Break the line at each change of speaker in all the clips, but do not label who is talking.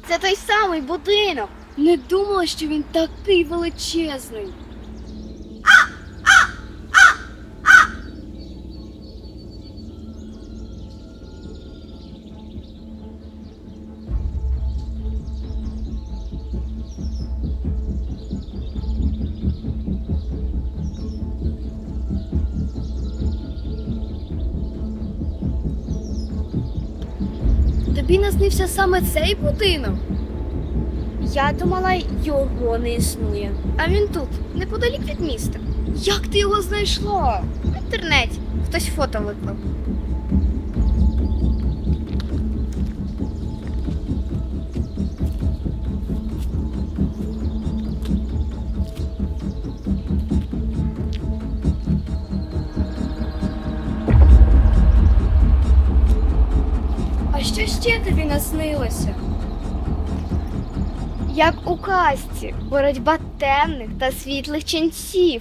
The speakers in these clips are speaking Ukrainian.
Це той самий будинок.
Не думала, що він такий величезний. Тобі наснився саме цей будинок?
Я думала, його не існує. А він тут, неподалік від міста.
Як ти його знайшла?
В інтернеті. Хтось фото виклав.
А що ще тобі наснилося?
Як у казці, боротьба темних та світлих ченців.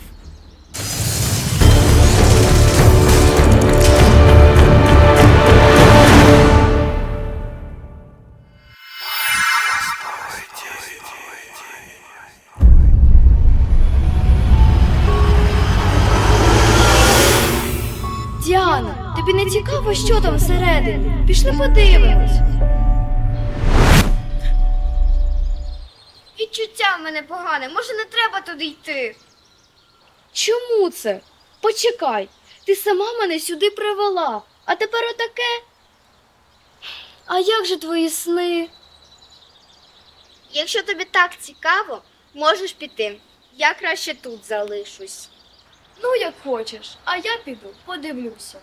Діана, тобі не цікаво, що там всередині? Пішли подивимось.
Відчуття в мене погане, може не треба туди йти.
Чому це? Почекай, ти сама мене сюди привела, а тепер отаке? А як же твої сни?
Якщо тобі так цікаво, можеш піти. Я краще тут залишусь.
Ну, як хочеш, а я піду, подивлюся.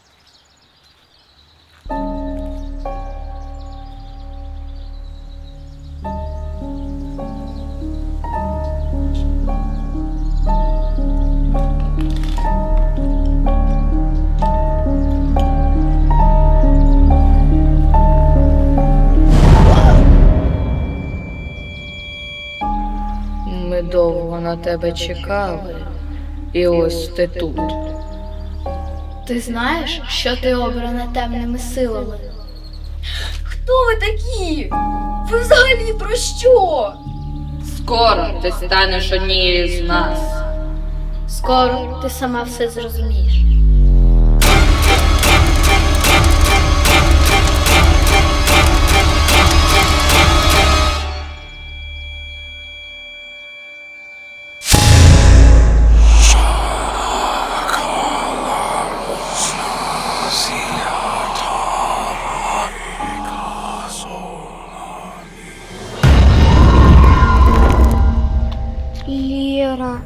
Ми довго на тебе чекали, і ось ти тут.
Ти знаєш, що ти обрана темними силами? Хто ви такі? Ви взагалі про що?
Скоро ти станеш однією з нас.
Скоро ти сама все зрозумієш.
Лєра.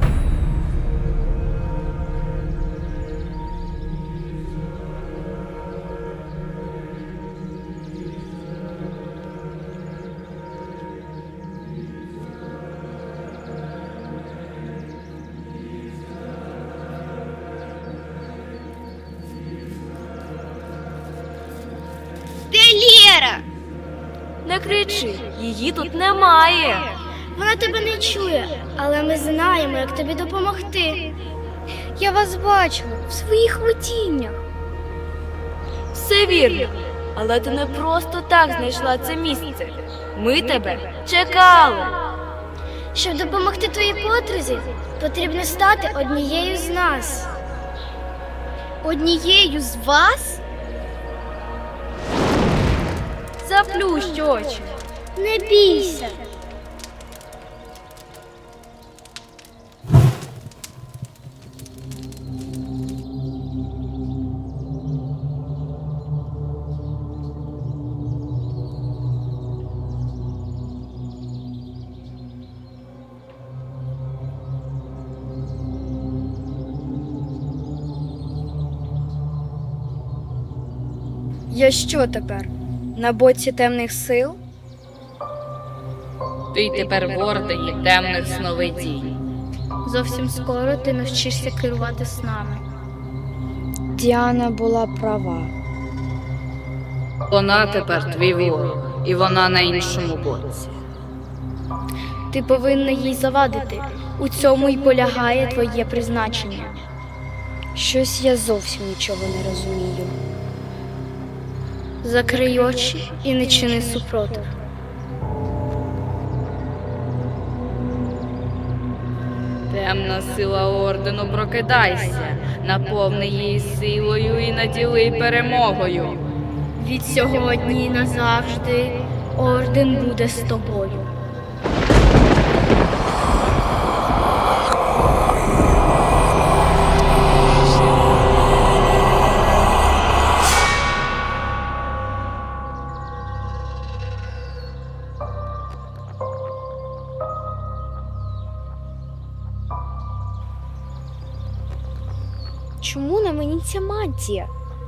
Де Лєра?
Не кричи, її тут немає.
Вона тебе не чує, але ми знаємо, як тобі допомогти. Я вас бачила в своїх видіннях.
Все вірно. Але ти не просто так знайшла це місце. Ми тебе чекали.
Щоб допомогти твоїй подрузі, потрібно стати однією з нас. Однією з вас?
Заплющ очі.
Не бійся.
Я що тепер? На боці темних сил?
Ти тепер в ордені темних сновидінь.
Зовсім скоро ти навчишся керувати снами.
Діана була права.
Вона тепер твій ворог, і вона на іншому боці.
Ти повинна їй завадити. У цьому й полягає твоє призначення. Щось я зовсім нічого не розумію. Закрий очі і не чини супротив.
Темна сила ордену, прокидайся, наповни її силою і наділи перемогою.
Від сьогодні і назавжди орден буде з тобою.
Чому на мені ця мантія?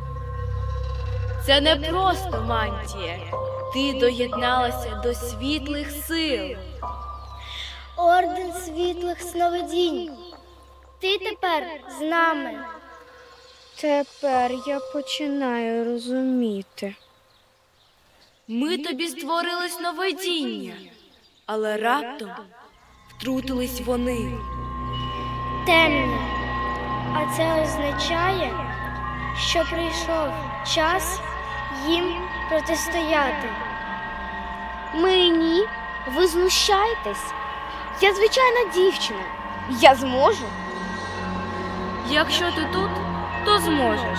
Це не просто мантія. Ти доєдналася до світлих сил.
Орден світлих сновидінь. Ти тепер з нами. Тепер я починаю розуміти.
Ми тобі створили сновидіння, але раптом втрутились вони.
Темні. А це означає, що прийшов час їм протистояти.
Мені? Ви знущаєтесь? Я звичайна дівчина. Я зможу? Якщо ти тут, то зможеш.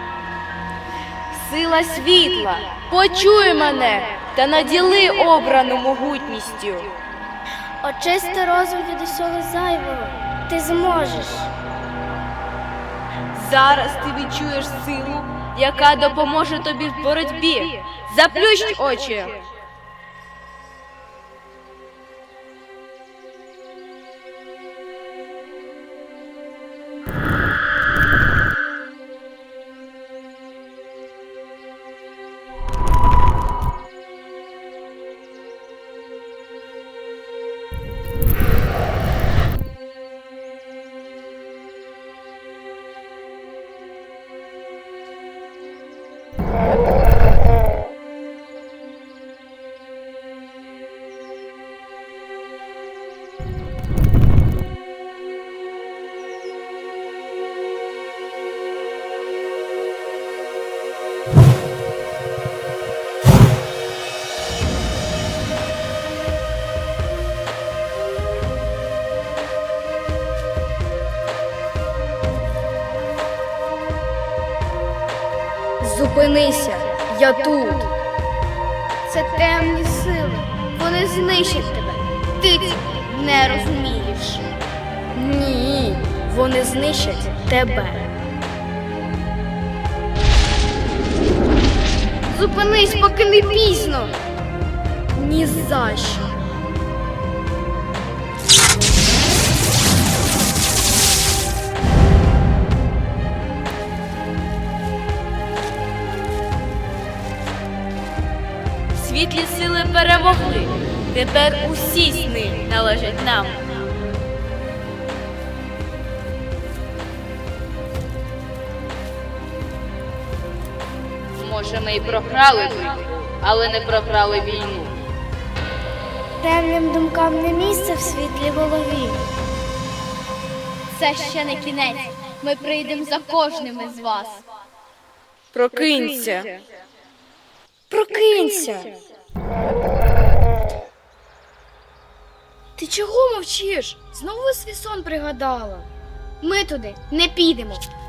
Сила світла, почуй мене та наділи обрану могутністю.
Очисти розум від усього зайвого. Ти зможеш.
Зараз ти відчуєш силу, яка допоможе тобі в боротьбі. Заплющ очі.
Зупинися, я тут. Це темні сили. Вони знищать тебе. Ти цього не розумієш.
Ні, вони знищать тебе.
Зупинись, поки не пізно.
Ні за що. Світлі сили перемогли. Тепер усі сни належать нам.
Може, ми й програли битву, але не програли війну.
Темним думкам не місце в світлій голові.
Це ще не кінець. Ми прийдемо за кожним із вас.
Прокинься.
Прокинься.
Ти чого мовчиш? Знову свій сон пригадала. Ми туди не підемо.